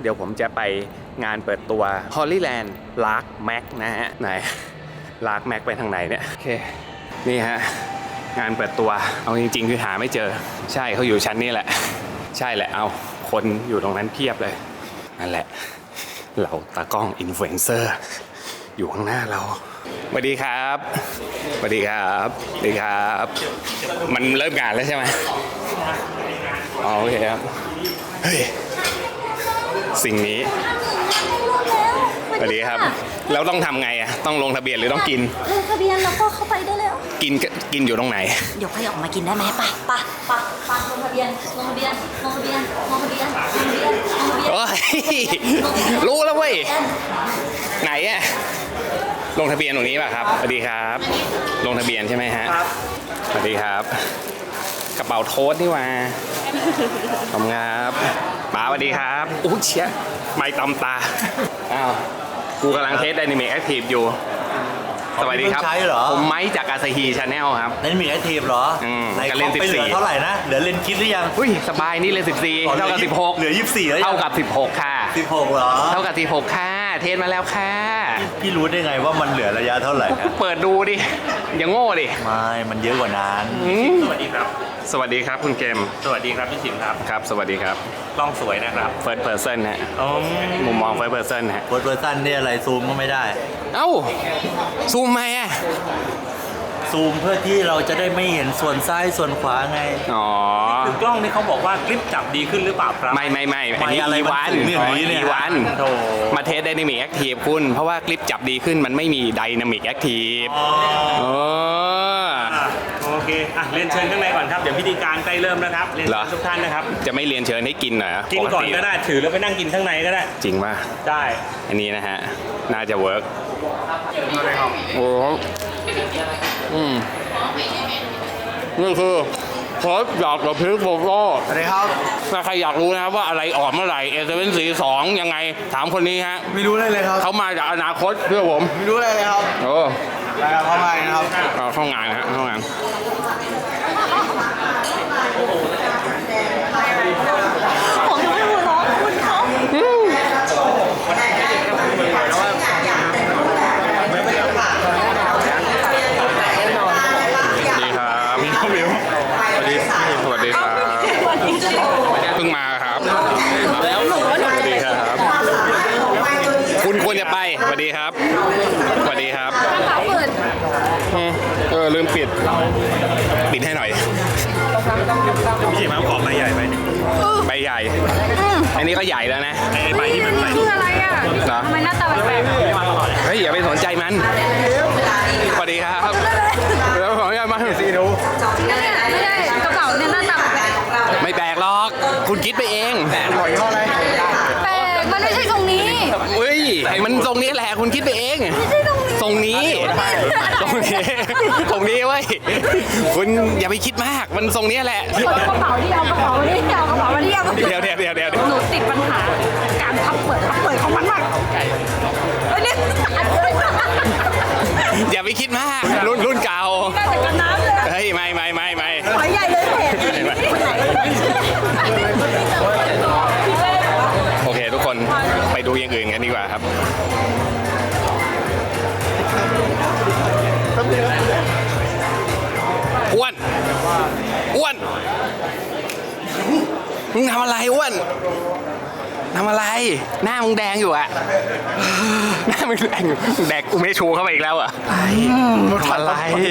เดี๋ยวผมจะไปงานเปิดตัว Hollyland Lark Mac นะฮะไหน Lark Mac ไปทางไหนเนี่ยโอเคนี่ฮะงานเปิดตัวเอาจริงๆคือหาไม่เจอใช่เขาอยู่ชั้นนี้แหละใช่แหละเอาคนอยู่ตรงนั้นเพียบเลยนั่นแหละเราตากล้องอินฟลูเอนเซอร์อยู่ข้างหน้าเราสวัสดีครับสวัสดีครับสวัสดีครับมันเริ่มงานแล้วใช่ไหมอ๋อโอเคครับเฮ้ยสิ่งนี้สวัสดีครับแล้วต้องทำไงอ่ะต้องลงทะเบียนหรือต้องกินลงทะเบียนแล้วก็เข้าไปได้แล้วกินอยู่ตรงไหนเดี๋ยวใครออกมากินได้ไหมไปลงทะเบียนโอ้ยรู้แล้วเว้ยไหนอ่ะลงทะเบียนตรงนี้ป่ะครับสวัสดีครับลงทะเบียนใช่ไหมฮะสวัสดีครับกระเป๋าโทษนี่ว่าขอบคุณครับป๋าสวัสดีครับอู้เชี่ยไม่ตำตาอ้าวกูกำลังเทส Dynamic Active อยู่สวัสดีครับผมไม้จากอาซาฮีชาแนลครับ Dynamic Active เหรอในการเล่น14 เหลือเท่าไหร่นะเหลือเลนคิดหรือยังอุ้ยสบายนี่เลย14เท่ากับ16 เหลือ24แล้วเท่ากับ16ค่ะ 16เหรอเท่ากับ16ค่ะเทสมาแล้วค่ะพี่รู้ได้ไงว่ามันเหลือระยะเท่าไหร่เปิดดูดิอย่างโง่ดิไม่มันเยอะกว่านั้นสวัสดีครับสวัสดีครับคุณเกมสวัสดีครับพี่ชิมครับครับสวัสดีครับกล้องสวยนะครับ First Person ฮะมุมมอง First Person ฮะ First Person นี่อะไรซูมก็ไม่ได้เอ้าซูมไหมอ่ะซูมเพื่อที่เราจะได้ไม่เห็นส่วนซ้ายส่วนขวาไงอ๋อคือกล้องนี่เขาบอกว่าคลิปจับดีขึ้นหรือเปล่าครับไม่อันนี้อีวันมาเทส Dynamic Active คุณเพราะว่าคลิปจับดีขึ้นมันไม่มี Dynamic Active โอเคเรียนเชิญข้างในก่อนครับเดี๋ยวพิธีการใกล้เริ่มแล้วครับเรียนเชิญทุกท่านนะครับจะไม่เรียนเชิญให้กินหน่อยกินก่อนก็ได้ถือแล้วไปนั่งกินข้างในก็ได้จริงป่ะได้อันนี้นะฮะน่าจะเวิร์กโอ้นี่คือซอสหยอกกับพริกโบโก้สวัสดีครับถ้าใครอยากรู้นะครับว่าอะไรออกเมื่อไหร่A742ยังไงถามคนนี้ฮะไม่รู้เลยครับเขามาจากอนาคตเพื่อผมไม่รู้เลยครับโอ้ไปเข้ามานะครับเข้างานฮะเข้างานผมยังไม่รู้ร้องคุณเขาสวัสดีครับเพิ่งมาครับแล้วสวัสดีครับคุณควรจะไปสวัสดีครับสวัสดีครับลืมปิดให้หน่อยพี่ชิมขอใบใหญ่ไปใบใหญ่อันนี้ก็ใหญ่แล้วนะใบที่มันใส่คืออะไรอ่ะทำไมหน้าตาแปลกเฮ้ยอย่าไปสนใจมันสวัสดีครับแล้วขออนุญาตมาสีดูไม่ได้กระเป๋าเนี่ยหน้าตาแปลกไม่แปลกหรอกคุณคิดไปเองแปลกหน่อยเท่าไรแปลกมันไม่ใช่ตรงนี้เฮ้ยมันตรงนี้แหละคุณคิดไปเองตรงนี้ตรงนี้เว้ยคุณอย่าไปคิดมากมันทรงนี้แหละกระเป๋าที่เอากระเป๋าที่เอากระเป๋าที่เอาเดี๋ยวหนูติดปัญหาการพับเปิดของมันมากเนี่ยอย่าไปคิดมากรุ่นเก่าเฮ้ยไม่หอยใหญ่เลยโอเคทุกคนไปดูอย่างอื่นกันดีกว่าครับอ้วนมึงทำอะไรอ้วนทำอะไรหน้ามึงแดงอยู่อะหน้ามึงแดงแดกกูไม่ชูเข้าไปอีกแล้วอะทำอะไร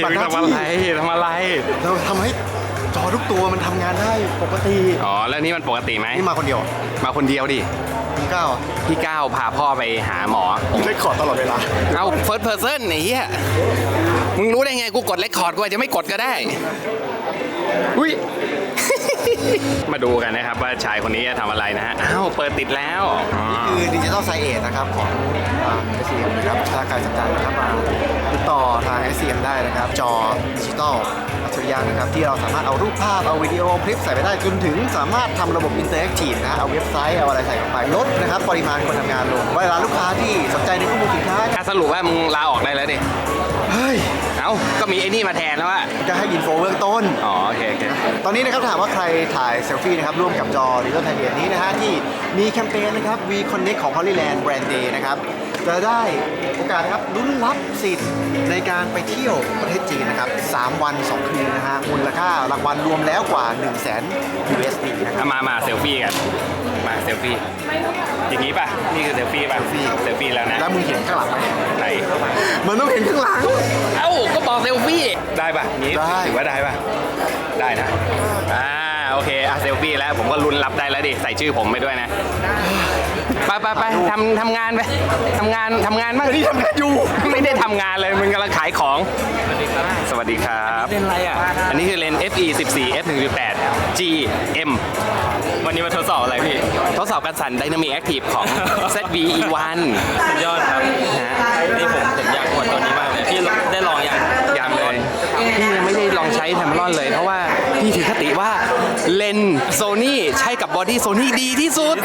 เราทำให้จอทุกตัวมันทำงานได้ปกติอ๋อแล้วนี่มันปกติไหมนี่มาคนเดียวดิพี่ก้าวพาพ่อไปหาหมอเล่นคอร์ดตลอดเวลาเอา first person ไอ้เหี้ยมึงรู้ได้ไงกูกดเรคคอร์ดกูอาจจะไม่กดก็ได้อุ้ย มาดูกันนะครับว่าชายคนนี้จะทำอะไรนะฮะอ้าวเปิดติดแล้วนี่คือดิจิทัลไซเอทนะครับของSCM นะครับถ้าใครสนใจนะครับมาติดต่อทาง SCM ได้นะครับจอดิจิทัลอัจฉริยะนะครับที่เราสามารถเอารูปภาพเอาวิดีโอคลิปใส่ไปได้จนถึงสามารถทำระบบอินเตอร์แอคทีฟนะเอาเว็บไซต์เอาอะไรใส่ลงไปลดนะครับปริมาณคนทำงานลงเวลาลูกค้าที่สนใจในข้อมูลสินค้าสรุปว่ามึงลาออกได้แล้วดิเฮ้ยเอ้าก็มีไอ้นี่มาแทนแล้วอะจะให้อินโฟเบื้องต้นอ๋อโอเคโอเคตอนนี้นะครับถามว่าใครถ่ายเซลฟี่นะครับร่วมกับจอ Digital Thailand นี้นะฮะที่มีแคมเปญนะครับ We Connect ของ Hollyland Brand Day นะครับจะได้โอกาสนะครับลุ้นรับสิทธิ์ในการไปเที่ยวประเทศจีนนะครับ3 วัน 2 คืนนะฮะมูลค่ารางวัลรวมแล้วกว่า 100,000 USD นะครับมาเซลฟี่กันมาเซลฟี่อย่างนี้ป่ะนี่คือเซลฟี่ป่ะเซลฟี่แล้วนะแล้วมึงเห็นข้างหลังไหมไหนมันต้องเห็นข้างหลังเอ้าก็บอกเซลฟี่ได้ป่ะนี้ได้ถือว่าได้ป่ะได้นะโอเคเซลฟี่แล้วผมก็ลุ้นรับได้แล้วดิใส่ชื่อผมไปด้วยนะไปทำงานไปทำงานบ้างนี่ทำงานอยู่ไม่ได้ทำงานเลยมึงกำลังขายของสวัสดีครับเลนอะไรอ่ะอันนี้คือเลน FE 14 f 1.8 GM วันนี้มาทดสอบอะไรพี่ทดสอบการสั่น Dynamic Active ของ ZV E1 สุดยอดครับนี่ผมอยากอวดตัวนี้มากเลยพี่ได้ลองยังเลยพี่ยังไม่ได้ลองใช้แทมรอนเลยเพราะว่าพี่ถือคติว่าเลนโซนี่ใช้กับบอดี้โซนี่ดีที่สุด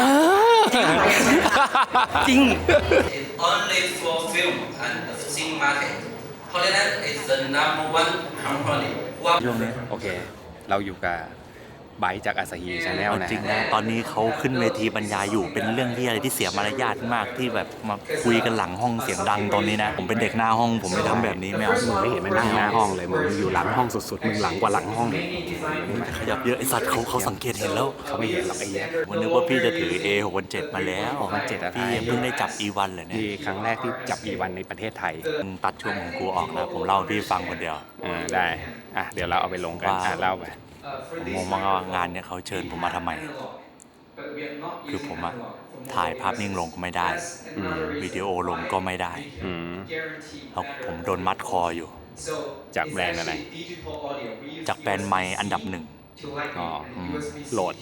จริง only for film and the film market. Hollyland is the number one company. โอเค เราอยู่กับไบค์จากอาซาฮีชาแนลนะจริงนะตอนนี้เขาขึ้นเวทีบรรยายอยู่เป็นเรื่องที่อะไรที่เสียมารยาทมากที่แบบมาคุยกันหลังห้องเสียงดังตอนนี้นะผมเป็นเด็กหน้าห้องผมไม่ทำแบบนี้ไม่เอามึงไม่เห็นมันนั่งหน้าห้องเลยมึงอยู่หลังห้องสุดๆมึงหลังกว่าหลังห้องขยับเยอะไอสัตว์เขาสังเกตเห็นแล้วเขาไม่เห็นหรอกไอ้เหี้ยวันนึกว่าพี่จะถือ A617 มาแล้ว 617อะไรพี่เพิ่งได้จับ E1 เลยเนี่ยนี่ครั้งแรกที่จับอีวันในประเทศไทยมึงตัดช่วงของกูออกนะผมเล่าให้พี่ฟังคนเดียวได้เดี๋ยวเราเอาไปลงกันเล่าไปผมงงมากว่างานเนี่ยเขาเชิญผมมาทำไมคือผมอะถ่ายภาพนิ่งลงก็ไม่ได้วิดีโอลงก็ไม่ได้แล้วผมโดนมัดคออยู่จากแบรนด์อะไรจากแบรนด์ไมค์อันดับหนึ่งโหลด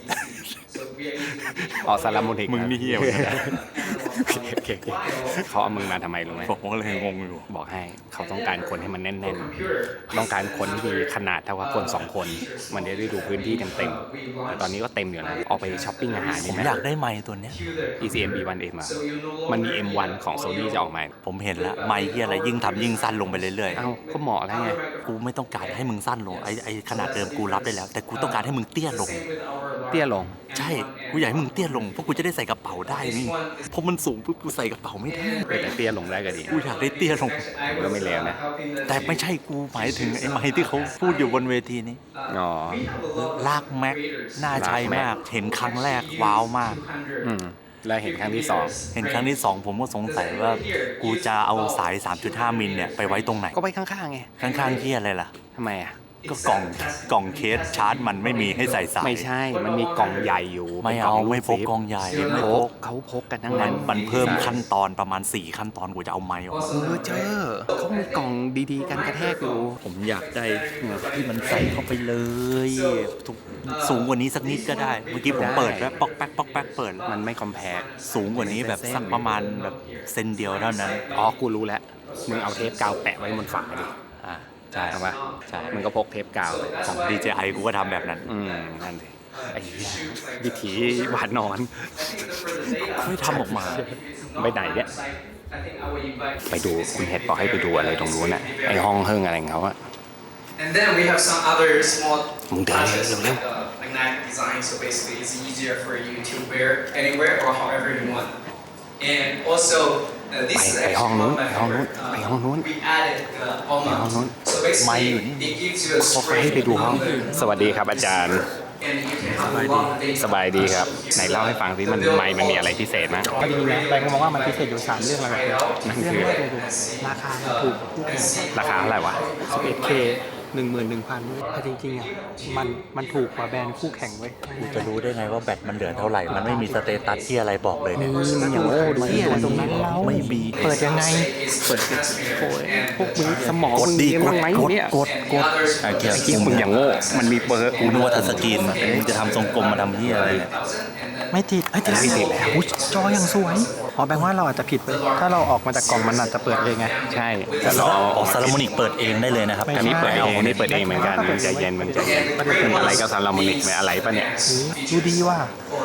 ซาลามูนิกมึงนี่เหี้ยเหมือนกันนะโอเคเขาเอามึงมาทำไมรู้ไหมผมก็เลยงงอยู่บอกให้เขาต้องการคนให้มันแน่นๆต้องการคนที่มีขนาดเท่ากับคน2 คนมันจะได้ดูพื้นที่เต็มๆแต่ตอนนี้ก็เต็มอยู่นะออกไปช้อปปิ้งอาหารผดีมไหมอยากได้ไมค์ตัวเนี้ย ECM B1M มันมี M1 ของ Sony จะออกมาผมเห็นแล้วไมค์ที่อะไรยิ่งทำยิ่งสั้นลงไปเรื่อยเอ้าก็เหมาะแล้วไงๆกูไม่ต้องการให้มึงสั้นลงไอ้ขนาดเดิมกูรับได้แล้ว แต่กูต้องการให้มึงเตี้ยลงเตี้ยลงใช่กูอยากให้มึงเตี้ยลงเพราะกูจะได้ใส่กระเป๋าได้นี่เพราะมันสูงปุ๊บกูใส่กระเป๋าไม่ได้แต่เตี้ยลงได้ก็ดีกูอยากได้เตี้ยลงก็ไม่เลวนะแต่ไม่ใช่กูหมายถึงไอ้ไมค์ที่เขาพูดอยู่บนเวทีนี้อ๋อลากแม็กน่าใช้มากเห็นครั้งแรกว้าวมากแล้วเห็นครั้งที่เห็นครั้งที่ 2 ผมก็สงสัยว่ากูจะเอาสาย 3.5 มิลเนี่ยไปไว้ตรงไหน 2ก็ไปข้างๆไงข้างๆที่อะไรล่ะทำไมอ่ะก็กล่องเคสชาร์จมันไม่มีให้ใส่สายไม่ใช่มันมีกล่องใหญ่อยู่ไม่เอาไม่พกกล่องใหญ่ไม่พพกกเขาพกกันทั้งมันั้น นมันเพิ่มขั้นตอนประมาณ4ขั้นตอนกูจะเอาไมค์ออกมาเจอเขามีกล่องดีๆกันกระแทกอยู่ผมอยากได้ที่มันใส่เข้าไปเลยทุกสูงกว่านี้สักนิดก็ได้เมื่อกี้ผมเปิดแล้วป๊อกแป๊กป๊อกแป๊กเปิดมันไม่คอมแพคสูงกว่านี้แบบสักประมาณแบบเซนเดียวเท่านั้นอ๋อกูรู้แล้วมึงเอาเทปกาวแปะไว้บนฝาดิใช่เอาปะใช่มึงก็พกเทปกาวของ DJI กูก็ทำแบบนั้นนั่นสิไอ้เหี้ยวิถีหวานนอนไม่ทำออกมาไปไหนเนี่ยไปดูคุณเห็ดบอกให้ไปดูอะไรตรงนู้นน่ะไอ้ห้องเฮิ่งอะไรของเขาอะ And then we have some other small Mung dali, process leo, like magnetic design. So basically, it's easier for you to wear anywhere or however you want. And also, this is ไป actually ห้องนู้น one of ไป my ห้องนู้น favorite. ไปห้องนู้น We added the almond. So basically, it gives you a เขาให้ไปดูห้อง สวัสดีครับอาจารย์ and you can have a long day. สบายดีครับ ไหนเล่าให้ฟังสิมันมันมีอะไรพิเศษมั้ยพอดีนะแบงค์มองว่ามันพิเศษอยู่3เรื่องหลักๆเลยนั่นเรื่องคือแรกเลยดูราคามันถูกคู่แข่งราคาเท่าไหร่วะ 11K 11,000แต่จริงๆอ่ะมันถูกกว่าแบรนด์คู่แข่งเว้ยกูจะรู้ได้ไงว่าแบตมันเหลือเท่าไหร่ มันไม่มีสเตตัสที่อะไรบอกเลยเนี่ยมันอย่างโง่ดูที่ตรงนั้นเราไม่มีเปิดยังไงเปิดโอ้ยพวกมึงสมองกดมึงดีเรียนกบ้าดงไหมกดเนี่ยกดไอ้เกียคิดมึงอย่างโง่ มันมีเบอร์กูนึกว่าทัชสกรีนมึงจะทำทรงกลมมาทำที่อะไรเนี่ยไม่ติดไม่ติดแล้วอุ๊ยจอยังสวยอ๋อแบงค์ว่าเราอาจจะผิดไปถ้าเราออกมาจากกล่องมันอาจจะเปิดเลยไงใช่แต่เราเอาออกซาลาโมนิกเปิดเองได้เลยนะครับอันนี้เปิดเองอันนี้เปิดเองเหมือนกันมันใจเย็นมันอะไรก็ซาลาโมนิกไม่อะไรปะเนี่ยดูดีว่ะ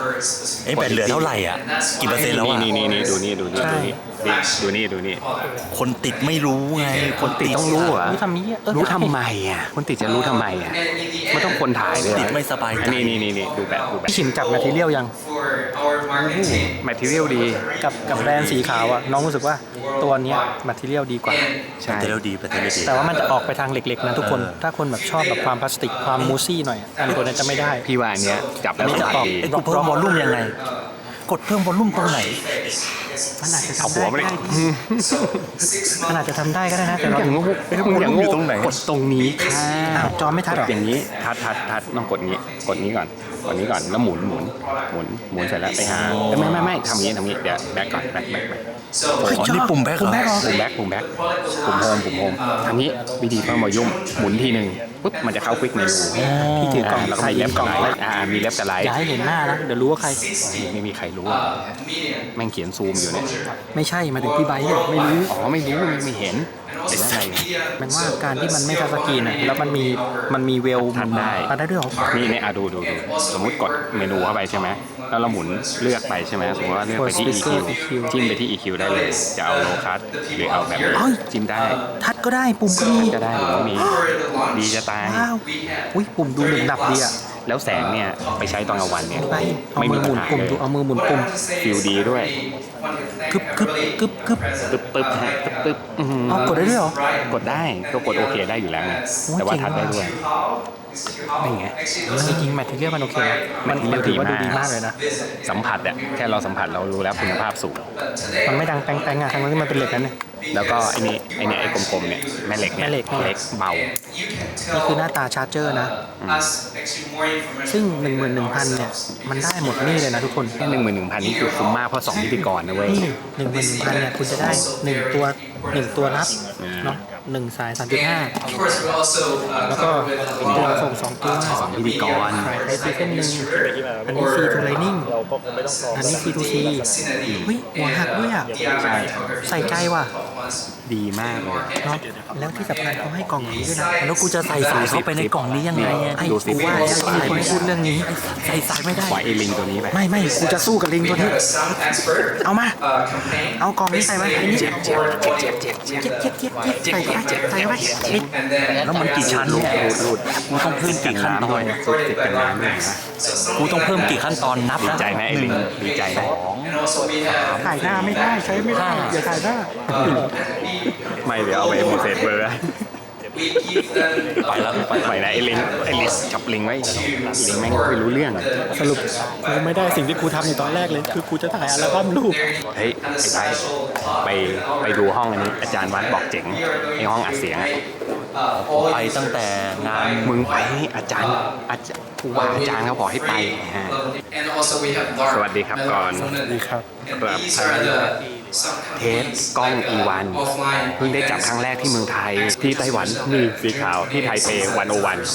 for a specific เอ้ยแบตเหลือเท่าไหร่อ่ะ กี่เปอร์เซ็นต์แล้วอ่ะนี่ดูนี่ดูนี่คนติดไม่รู้ไง คนติดต้องรู้เหรอรู้ทำนี้อะรู้ทำไมอ่ะคนติดจะรู้ทำไมอ่ะ and in the ไม่ต้องคนถ่ายเลยติดไม่สบายใจนี่ดูแบบพี่ชิมจับแมทเทียลยัง for our marketing team แมทเทียลดีกับแบรนด์สีขาวอะน้องรู้สึกว่าตัวเนี้ยแมทเทียลดีกว่าใช่แต่เราดีแต่เราดีแต่ว่ามันจะออกไปทางเหล็กๆนะทุกคน ถ้าคนแบบชอบแบบความพลาสติกความมูซี่หน่อยอะอันตัวนี้จะไม่ได้พี่ว่าอันเนี้ยจับแล้วอันนี้สจะบายออกดีไอ้กูเพิ่มวอลลุ่มยังไง กดเพิ่มวอลลุ่มตรงไหนมันอาจจะเอาทำหัได้วมาเลยมันอาจจะทำได้ก็ได้นะแต่มึงเราอย่างโง่มึงอย่างโง่กดตรงนี้ค่ะอ้าวจอไม่ทัดหรออย่างนี้ทัดต้องกดนี้ก่อนแล้วหมุนเสร็จแล้วไปหาไม่ทำงี้เดี๋ยวแบ็คก่อนแบ็ค so อ๋อนี่ปุ่มแบ็คเหรอปุ่มแบ็คปุ่มโฮมทำงี้วิธีเพิ่มวอลลุ่มหมุนทีหนึ่งปุ๊บมันจะเข้าควิกเมนูพี่ถือกล่องแล้วก็มีเล็บกับไลท์มีเล็บกับไลท์อย่าให้เห็นหน้านะเดี๋ยวรู้ว่าใครไม่มีใครรู้อ่ะ medium แม่งเขียนซูมอยู่เนี่ยไม่ใช่มาถึงพี่ไบค์เนี่ยไม่รู้อ๋อไม่รู้ไม่เห็นเป็นอะไรมันว่าการที่มันไม่ทัชสกรีนอะแล้วมันมีเวลทัดได้ทัดได้ด้วยเหรอนี่ดูสมมุติกดเมนูเข้าไปใช่ไหมแล้วเราหมุนเลือกไปใช่ไหมสมมติว่าเลือกไปที่ EQ จิ้มไปที่ EQ ได้เลยจะเอาโลคัสหรือเอาแบบจิ้มได้ทัดก็ได้ปุ่มก็มีก็ได้หรือว่ามีดีจะตายว้าวอุ้ยปุ่มดูหนึ่งดับดีอะแล้วแสงเนี่ยไปใช้ตอนกลางวันเนี่ยไปเอาไม่มืมีอหปัมุญนหาปุ่มเลยดูเอามือหมุนปุ่มฟิลดีด้วยกึบตึ๊บอื้อหือเอากดได้ด้วยเหรอกดได้ก็กดโอเคได้อยู่แล้วไงโอ้ยแต่ว่าเจ๋งทัดได้ด้วย นี่ไงจริงๆแมทเทียลมันโอเคนะมันถือว่าดูดีมากเลยนะสัมผัสอะแค่เราสัมผัสเรารู้แล้วคุณภาพสูงมันไม่ดังแป้งๆอะทั้งที่มันเป็นเหล็กนั่นเนี่ยแล้วก็ไอ้กลมๆเนี่ยแม่เหล็กเนี่ยแม่เหล็กเล็กเบานี่คือหน้าตาชาร์จเจอร์นะ ซึ่ง 11,000 เนี่ย มันได้หมดนี่เลยนะทุกคนแค่11,000นี่คือคุ้มมากเพราะ2พิธีกรนะเว้ยนี่ 11,000 เนี่ย คุณจะได้ 1 ตัวรับเนาะ1 สาย 3.5 Of course, we also แล้วก็ cover with ตัวส่ง 2 ตัวพิธีกรสายไทซีเส้นหนึ่งอันนี้ C to Lightning อันนี้ C to C เฮ้ยหัวหักด้วยอ่ะ ใส่ใจว่ะดีมากเลยเนาะแล้วที่สำคัญเขาให้กล่องอย่างนี้ด้วยนะแล้วกูจะใส่สายเข้าไปในกล่องนี้ยังไงอะไอ้กูว่าแล้วที่คนพูดเรื่องนี้ใส่สายไม่ได้ปล่อยไอ้ลิงตัวนี้ไปไม่กูจะสู้กับลิงตัวนี้ sound expert เอามา campaign เอากล่องนี้ใส่ไว้ไอ้นี่ใส่เข้าไปใส่เข้าไป and then แล้วมันกี่ชั้นเนี่ยกูต้องเพิ่มกี่ขั้นตอนติดกันน้ำด้วยนะกูต้องเพิ่มกี่ขั้นตอนนับดีนะใจไหมไอ้ลิงดีใจไหม and also we have ถ่ายหน้าไม่ได้ใช้ไม่ได้อย่าถ่ายหน้าไม่เดี๋ยวเอาไปโมเสสเบอร์ we give them ไปแล้วไปไหนไอ้ลิงจับลิงไว้ลิงแม่งไม่รู้เรื่องอะสรุปกูไม่ได้สิ่งที่กูทำในตอนแรกเลย คือกูจะถ่ายอัลบั้มรูปเฮ้ยไอ้ไปไปดูห้องอันนี้อาจารย์วัดบอกเจ๋งไอ้ห้องอัดเสียงอะไปตั้งแต่งานมึงไปอาจารย์ผู้ว่าอาจารย์เขาบอกให้ไปฮะ and also we have dark สวัสดีครับก่อนสวัสดีครับ and these are the some เทสกล้อง E1 เพิ่งได้จับครั้งแรกที่เมืองไทยที่ไต้หวันมีสีขาวที่ไทเป101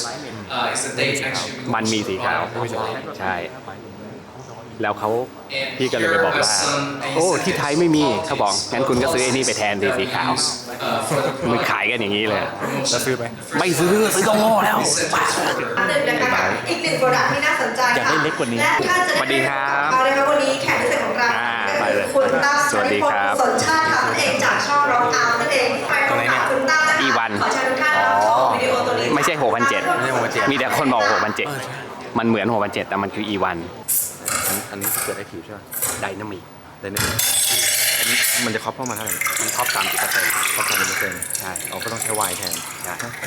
it's the date actually มันมีสีขาวใช่ แล้วเขาพี่ก็เลยไปบอกว่า โอ้ที่ไทยไม่มีเขาบอกงั้นคุณก็ซื้อไอ้นี่ไปแทนสีขาวมันขายกันอย่างนี้เลยจะซื้อไหมไม่ซื้อก็โง่แล้วหนึ่งนะคะอีกหนึ่งโปรดักต์ที่น่าสนใจอยากได้เล็กกว่านี้และท่านจะสวัสดีครับเอาเลยครับวันนี้แขกพิเศษของเราไปเลยคุณตั้มสวัสดีครับสนชาติค่ะนั่นเองจากช่องร้องเอานั่นเองไปพบกับคุณตั้มนะคะ E1 ขอเชิญทุกท่านรับชมวิดีโอตัวนี้ไม่ใช่ 6,700 มีแต่คนบอก 6,700 มันเหมือน 6,700 แต่มันคือ E1 อันนี้เกิดได้คิวใช่ไหมไดนามิกได้เนี่ยมันจะครอบเข้ามาเท่าไหร่มันท็อป 30% ครอบ30% ใช่เราก็ต้องใช้วายแทนใช่ครอบ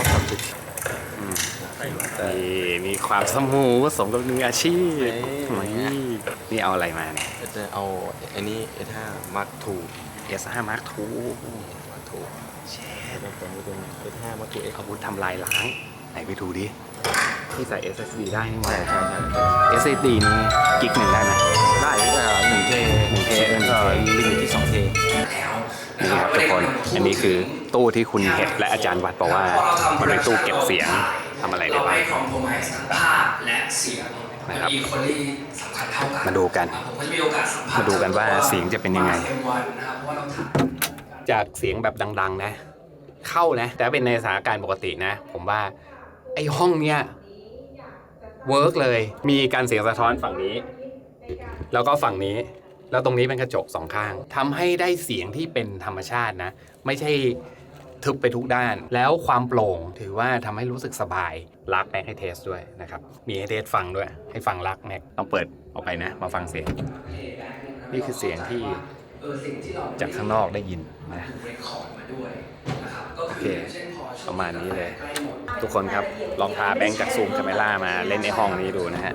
30 มีความสมูทสมกับมืออาชีพนี่เอาอะไรมาเนี่ยจะเอาอันนี้ S5 Mark II S5 Mark II Mark II เชดตัวนี้เป็น S5 Mark II X อาวุธทำลายล้างไหนไปดูดิที่ใส่ SSD ได้นี่หว่าใช่ SSD นี่กิกหนึ่งได้ไหมได้1T แล้วก็ลิมิตที่ 2T นี่ครับทุกคน อันนี้คือตู้ที่คุณเห็ดและอาจารย์วัดบอกว่ามันเป็นตู้เก็บเสียงทำอะไรได้เราบ้างไม่คอมโพไมซ์ทั้งภาพและเสียงนะครับอีโคลี่สำคัญเท่ากันมาดูกันผมก็จะมีโอกาสสัมภาษณ์มาดูกันว่าเสียงจะเป็นยังไง M1 นะครับเพราะว่าเราทำจากเสียงแบบดังๆนะ เข้านะ แต่เป็นในสถานการณ์ปกตินะ ผมว่าไอ้ห้องเนี้ยเวิร์กเลย มีการเสียงสะท้อนฝั่งนี้แล้วก็ฝั่งนี้ แล้วตรงนี้เป็นกระจกสองข้างทำให้ได้เสียงที่เป็นธรรมชาตินะ ไม่ใช่ทึบไปทุกด้าน แล้วความโปร่งถือว่าทำให้รู้สึกสบายลักแม็กให้เทสด้วยนะครับ มีให้เทสฟังด้วย ให้ฟังลักแม็กต้องเปิดออกไปนะ มาฟังเสียง นี่คือเสียงที่จากข้างนอกได้ยินนะโอเคประมาณนี้เลย ทุกคนครับลองพาแบงค์จากซูมคาเมล่ามาเล่นในห้องนี้ดูนะฮะ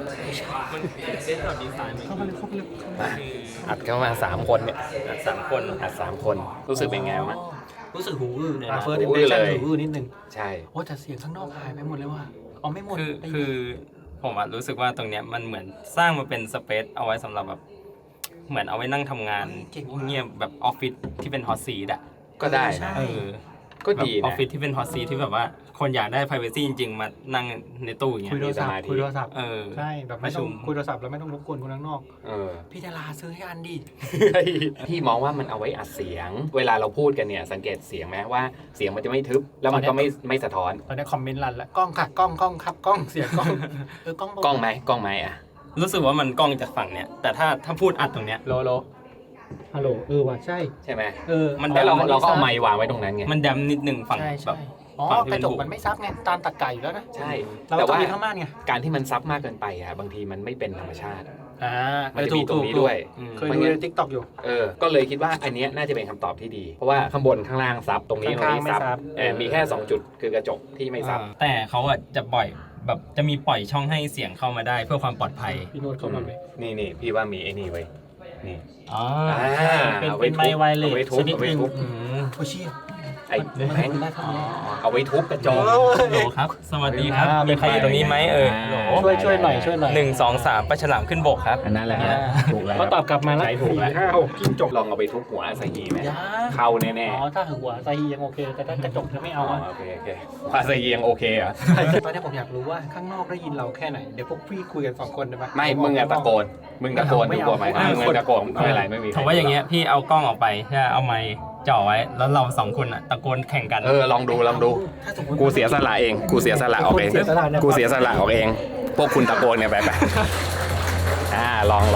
อัดเข้ามา3 คนเนี่ยอัด3 คนอัด3 คนรู้สึกเป็นไงบ้างรู้สึกหูอื้อเลยนะหู First อื้อ impression เลยหูอื้อนิดนึงใช่โอ้แต่เสียงข้างนอกหายไปหมดเลยว่ะเอาไม่หมดคือผมอะรู้สึกว่าตรงเนี้ยมันเหมือนสร้างมาเป็นสเปซเอาไว้สำหรับแบบเหมือนเอาไว้นั่งทำงานเงียบแบบออฟฟิศที่เป็นฮอตซีทอะก็ได้นะ ก็ดีออฟนะฟิศที่เป็นฮอตซีทที่แบบว่าคนอยากได้ privacy จริงๆ มานั่งในตู้อย่างเงี้คุยยโทรศัพท์คุยโทรศัพท์ ใช่แบบไม่ต้องประชุมคุยโทรศัพท์แล้วไม่ต้องรบกวนคนข้างนอกเออพี่ดาราซื้อให้อันดิพี่มองว่ามันเอาไว้อัดเสียง เวลาเราพูดกันเนี่ยสังเกตเสียงไหมว่าเสียงมันจะไม่ทึบ แล้วมันก็ไม่สะท้อนตอนนี้คอมเมนต์รันแล้วกล้องค่ะกล้องครับกล้องเสียงกล้องกล้องกล้องไหมอ่ะรู้สึกว่ามันกล้องจากฝั่งเนี้ยแต่ถ้าพูดอัดตรงเนี้ยโลฮัลโหลว่ะใช่ใช่ไหมมันแล้วเรามันก็เอาไมค์วางไว้ตรงนั้นไงมันดำนิดนึงฝั่งใช่แบบอ๋อฝั่งที่กเป็ระนจกบุมันไม่ซับไงตามตะไก่อยู่แล้วนะใช่เราแต่ต้องว่ามีข้างม่านไงการที่มันซับมากเกินไปอ่ะบางทีมันไม่เป็นธรรมชาติ มันจะถูมีกตรงนี้ด้วยเคยดูในทิกตอกอยู่ก็เลยคิดว่าอันเนี้ยน่าจะเป็นคำตอบที่ดี เพราะว่าข้างบนข้างล่างซับตรงนี้ตรงข้างนี้ๆไม่ซับมีแค่2 จุดคือกระจกที่ไม่ซับแต่เขาอะจะปล่อยแบบจะมีปล่อยช่องให้เสียงเข้ามาได้เพื่อความปลอดภัยพี่โน้ตเข้ามาไหมนี่พี่ว่ามีไอ้นี่ไว้นี่อ๋อเป็นไมค์ไวเลเอาไว้สทุบชนิดหนึงเอาไว้ทุบโอ้เชี่ยไอ้แบงค์ได้ทำไมเอาไว้ทุบกระจกโหลครับ สวัสดีครับ มีใครอยู่ตรงนี้ไหมโหลช่วยหน่อย 1 2 3ปลาฉลามขึ้นบกครับอันนั้นแหละถูกแล้วเขาตอบกลับมาแล้วใช้ถูกแล้ว 4 5 6จิ้งจกลองเอาไปทุบหัวอาซาฮีไหมยาเข้าแน่อ๋อถ้าหัวไซฮียังโอเค แต่ถ้ากระจกจะไม่เอาอ่ะโอเคอาซาฮียังโอเคเหรอตอนนี้ผมอยากรู้ว่าข้างนอกได้ยินเราแค่ไหน เดี๋ยวพวกพี่คุยกัน2 คนได้ไหมไม่มึงอะตะโกนดูกลัวไหมมึงตะโกนไม่เป็นไรไม่มีถือว่าอย่างเงี้ยพี่เอากล้องออกไปใช่เอาไมค์จ่อไว้แล้วเรา2 คนอะตะโกนแข่งกันลองดูถ้าสมมติกูเสียสละเองกูเสียสละออกเองเสียสละเนี่ยกูเสียสละออกเอง พวกคุณตะโกนเนี่ยไปลอง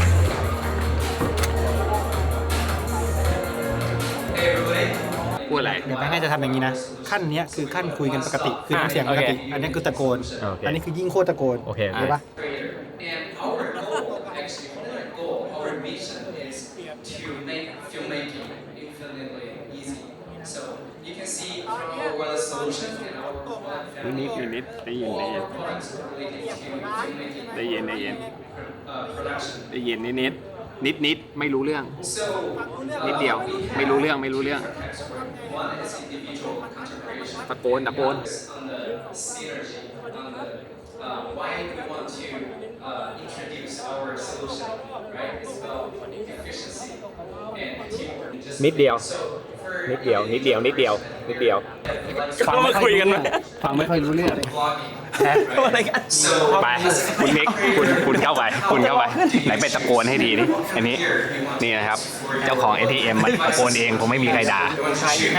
พูดอะไรเดี๋ยวแม่งจะทำอย่างนี้นะ ขั้นเนี้ยคือขั้นคุยกันปกติ คือน้ำเสียงปกติ อันนี้คือตะโกนโอเคอันนี้คือยิ่งโคตรตะโกนโอเคเห็นปะ And our goal, actually, our goal, our mission is to make filmmaking infinitely easy. So you can see from our one solution and our one family, นิดได้ยิน all our products related to filmmaking ได้ยิน production. ได้ยินนิดไม่รู้เรื่อง So นิดเดียวไม่รู้เรื่อง one is individual content creation. ตะโกน On the synergy, on the why we want to introduce our solution, right? It's about efficiency and teamwork. Just นิดเดียว so for นิดเดียวฟังไม่คุยกันไหมฟังไม่ค่อยรู้เรื่อง vlogging. อะไรกัน So ไปคุณมิกคุณเข้าไปไหนไปตะโกนให้ดีดิอันนี้นี่นะครับ เจ้าของ ATM มันตะโกนเองผมไม่มีใครด่า you want to choose,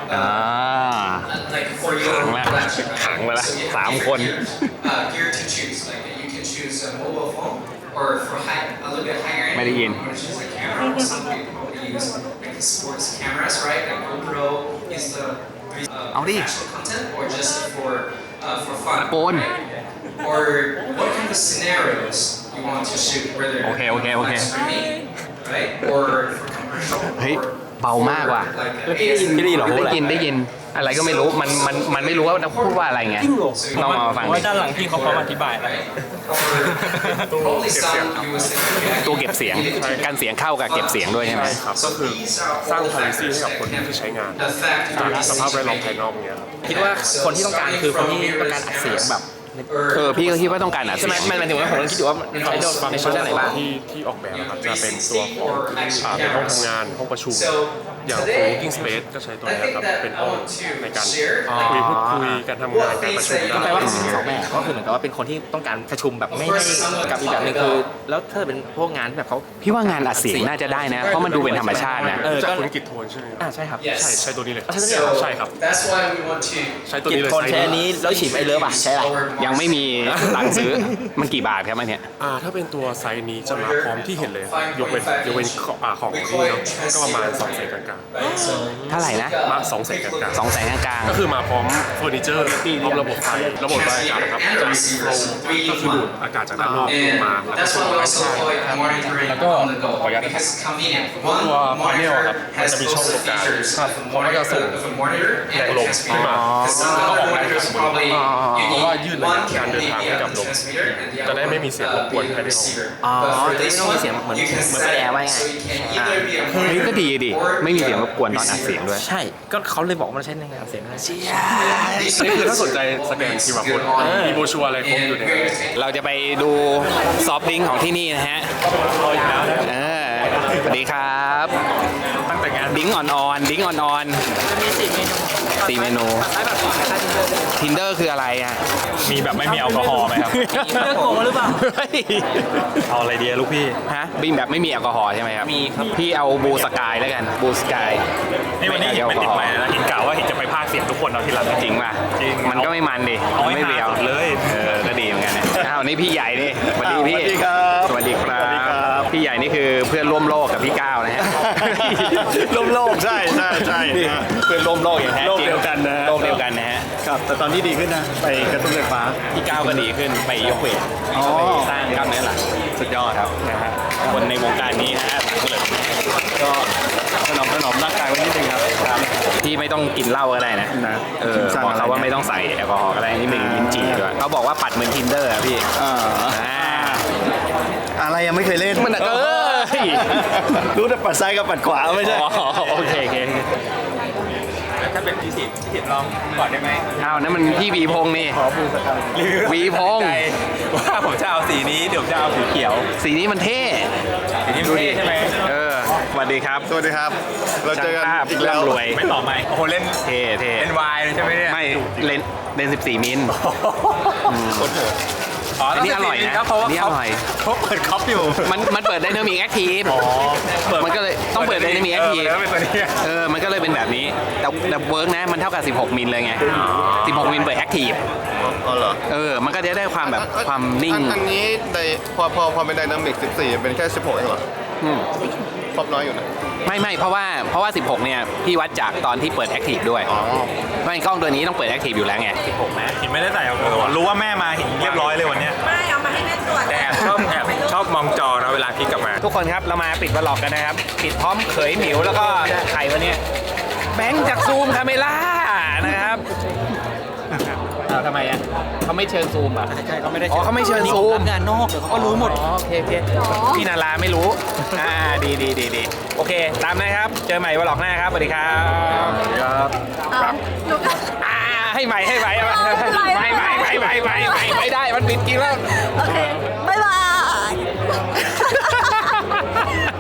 like for your ขังไปละ So you สาม have คน gear to choose. Like you can choose a mobile phone, or for a little bit higher end, ไม่ได้ยิน you want to choose a camera. Some people use like sports cameras, right? Like GoPro is the actual content, or just for fun. ตะโกน Right? Or what kind of scenarios you want to shoot, whether Okay. live streaming, right? Or for commercial. เฮ้ยเบามากว่ะ Like ASMR. ได้ยินอะไรก็ไม่รู้มันไม่รู้ว่าจะพูดว่าอะไรไงต้องมาฟังเพราะว่าด้านหลังพี่เขาพร้อมอธิบายแล้ว Probably some you would say. ตัวเก็บเสียงการเสียงเข้ากับเก็บเสียงด้วยใช่ไหมครับก็คือสร้าง privacy ให้กับคนที่ใช้งานจากสภาพแวดล้อมภายนอกเนี้ยครับคิดว่าคนที่ต้องการคือคนที่ต้องการอัดเสียงแบบพี่ก็คิดว่าต้องการอัดใช่เสีไหมยงมันหมายถึงว่าผมคิดอยู่ว่ามันใช้โดนในช่วงไหนบ้างที่ออกแบบนะครับจะเป็นตัวของเป็นห้องทำงานห้องประชุม อย่างของ working space ก็ใช้ตัวนี้ครับเป็นห้องในการพูดคุยการทำงานการประชุมก็แปลว่าได้สองแบบก็คือเหมือนกับว่าเป็นคนที่ต้องการประชุมแบบไม่กับอีกแบบหนึงคือ แล้วถ้าเป็นพวกงานแบบเขาพี่ว่างานอัดเสียงน่าจะได้นะ เพราะมันดูเป็นธรรมชาตินะจากก็คุณกิตโทนใช่ไหมครับใช่ครับใช่ตัวนี้เลย So ใช่ครับ that's why we want to ใช้ตัวกินี้จเลยคนใช้อันนี้แล้วฉีดไอเลิฟอ่ะใช่อะไรยังไม่มีตังค์ซื้อมันกี่บาทครับอันเนี้ยถ้าเป็นตัวไซส์นี้จะมาพร้อมที่เห็นเลย ยกเว้นของที่เนาะก็ประมาณ200,000กลางเท่าไหร่นะๆมา200,000กลางๆ 200,000กลางก็คือมาพร้อมเฟอร์นิเจอร์พร้อมระบบไฟระบบระบายอากาศนะครับจะมีโฟลว์ก็คือดูดอากาศจากด้านนอกลงมาแล้วก็ That's ส่ง why we ไป also ข้าง call it monitoring Lago, on the go pagkat- because it's convenient. ตัว One พาเนล monitor ครับมัน has จะมีช่อง both ตรงกลาง features ครับ of a เขาก็จะส่ง monitor, of a monitor แรง and ล a มขึ้นมา transmitter. Because some แล้วก็ออก other แรง monitors ข้างบน probably you เพราะว่า need ยืดระยะ one การ can เดิน be ทาง the ให้กับลม transmitter and the จะได้ other ไม่มีเสียงรบ one กวน be ภาย the ในห้อง receiver. อ๋อ But for จะ this ไม่ต้องมี one, เสียงเหมือน you can เหมือนเปิด set แอร์ไว้ it ไง so it can either be a เฮ้ยก็ดีดิ or ไม่มีเสียงรบกวนตอนอัดเสียงด้วยใช่ ก็เขาเลยบอกว่ามันใช้ในการอัดเสียงได้นี่คือถ้าสนใจสแกน QR code มีโบรชัวร์อะไรครบอยู่ในนั้นเราจะไปดูซอฟต์ดริงก์ของที่นี่นะฮะสวัสดีครับตั้งแต่งานดิ้งอ่อนๆดิ้งอ่อนๆจะมี4 เมนูทินเดอร์คืออะไรอ่ะมีแบบไม่มีแอลกอฮอล์ไหมครับเลือกโกหรือเปล่าเอาอะไรดีลูกพี่ฮะบีมแบบไม่มีแอลกอฮอล์ใช่ไหมครับมีครับพี่เอาบูสกายแล้วกันบูสกายนี่วันนี้หินไม่ติดไม้นะหินกล่าวว่าหินจะไปพากย์เสียงทุกคนเอาทีหลังจริงป่ะจริงมันก็ไม่มันดิเอาให้ไม่เบียวหาสุดเลยก็ดีเหมือนกันนะอ้าวนี่พี่ใหญ่นี่สวัสดีพี่สวัสดีครับสวัสดีครับสวัสดีครับพี่ใหญ่นี่คือเพื่อนร่วมโลกกับพี่ก้าวนะฮะร่วมโลกใช่นี่เพื่อนร่วมโลกอย่างแท้จริงโลกเดียวกันนะโลกเดียวกันนะฮะครับ แต่ตอนนี้ดีขึ้นนะ ไปกระตุ้นไฟฟ้าพี่ก้าวก็ดีขึ้นไปยกเวทอ๋อไปสร้างกล้ามเนื้อหลังสุดยอดครับนะฮะคนในวงการนี้นะฮะก็ถนอมร่างกายไว้นิดนึงครับพี่ไม่ต้องกินเหล้าก็ได้นะ บอกเขาว่าไม่ต้องใส่แอลกอฮอล์ก็ได้นี่เป็นลิ้นจี่ด้วยเขาบอกว่าปัดเหมือน Tinder อะพี่อะไรยังไม่เคยเล่นมันรู้แต่ปัดซ้ายกับปัดขวาไม่ใช่อ๋อโอเคถ้าเป็นที่สิบลองก่อนได้ไหมอ้าวนั่นมันพี่วีพงษ์นี่วีพงษ์ว่าผมจะเอาสีนี้เดี๋ยวจะเอาสีเขียวสีนี้มันเท่สีนี้มันเท่ใช่ไหมสวัสดีครับสวัสดีครับ เราเจอกันช่างภาพอีกแล้วร่ำรวยไม่ต่อไหมโอ้โหเล่นเท่เท่เล่นวายเลยใช่ไหมเนี่ยไม่เลน14 มิลอ๋ออันนี้อร่อยนะครับเพราะว่าอันนี้อร่อยเขาเปิดคอปอยู่มันเปิดไดนามิกแอคทีฟมันก็เลยต้องเปิดไดนามิกแอคทีฟแล้วเป็นตัวนี้มันก็เลยเป็นแบบนี้ แต่เวิร์กนะ มันเท่ากับ 16 มิลเลยไง 16 มิลเปิดแอคทีฟอ๋อเหรอมันก็จะได้ความแบบความนิ่งอันนี้พอเป็นไดนามิก14 เป็นแค่ 16เองเหรออืมครอบน้อยอยู่นะไม่เพราะว่า 16 เนี่ย พี่วัดจากตอนที่เปิดแอคทีฟด้วยไม่กล้องตัวนี้ต้องเปิดแอคทีฟอยู่แล้วไง 16 นะหินไม่ได้ใส่แอลกอฮอล์รู้ว่าแม่มาหินเรียบร้อยเลยวันเนี้ยไม่เอามาให้แม่ตรวจแต่แอบชอบมองจอนะเวลาคลิกกลับมาทุกคนครับเรามาปิดวล็อกกันนะครับ ปิดพร้อมเขยหมิวแล้วก็ใครวะเนี่ยแบงค์จากซูมคาเมล่านะครับทำไมอ่ะเขาไม่เชิญซูมอ่ะใช่เขาไม่ได้อ๋อเขาไม่เชิญซูมงานนอกเดี๋ยวเขาก็รู้หมดอ๋อโอเคพี่นาราไม่รู้ดีโอเค ตามนะครับ เจอใหม่วล็อกหน้าครับสวัสดีครับให้ใหม่ไม่ได้มันปิดจริงแล้วโอเค บ๊ายบาย